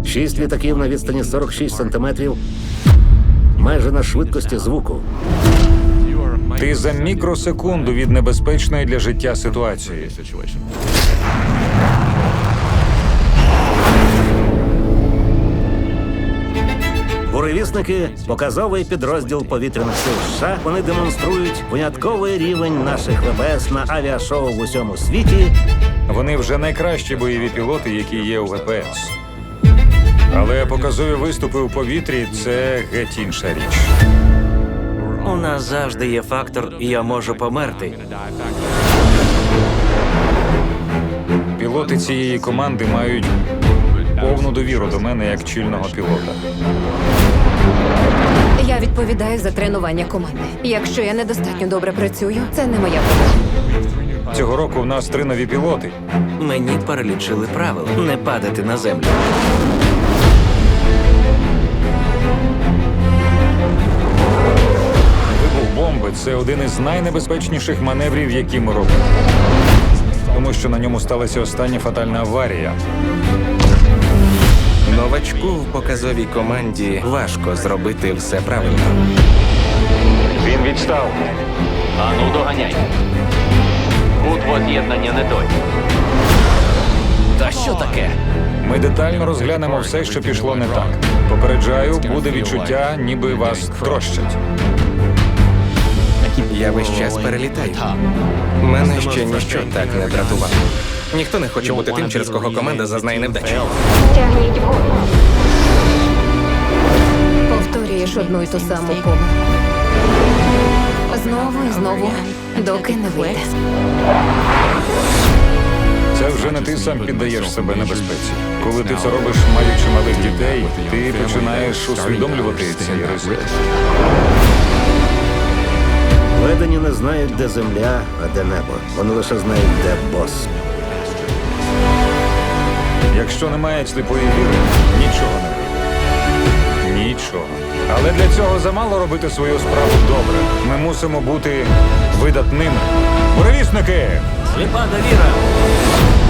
6 літаків на відстані 46 сантиметрів, майже на швидкості звуку. Ти за мікросекунду від небезпечної для життя ситуації. Буревісники – показовий підрозділ повітряних сил США. Вони демонструють винятковий рівень наших ВПС на авіашоу в усьому світі. Вони вже найкращі бойові пілоти, які є у ВПС. Але показові виступи у повітрі – це геть інша річ. У нас завжди є фактор «я можу померти». Пілоти цієї команди мають повну довіру до мене як чільного пілота. Я відповідаю за тренування команди. Якщо я недостатньо добре працюю, це не моя проблема. Цього року в нас 3 нові пілоти. Мені перелічили правила – не падати на землю. Вибух бомби – це один із найнебезпечніших маневрів, які ми робимо. Тому що на ньому сталася остання фатальна аварія. Новачку в показовій команді важко зробити все правильно. Він відстав. Ану, доганяй. Кут воз'єднання не той. Та що таке? Ми детально розглянемо все, що пішло не так. Попереджаю, буде відчуття, ніби вас трощать. Я весь час перелітаю. Мене ще ніщо так не дратувало. Ніхто не хоче бути тим, через кого команда зазнає невдачі. Повторюєш одну й ту саму помилку. Знову і знову, доки не вийде. Це вже не ти сам піддаєш себе небезпеці. Коли ти це робиш, маючи малих дітей, ти починаєш усвідомлювати цей ризик. Ведені не знають, де земля, а де небо. Вони лише знають, де бос. Якщо немає сліпої віри, нічого не вийде. Нічого. Але для цього замало робити свою справу добре. Ми мусимо бути видатними. Буревісники! Сліпа довіра!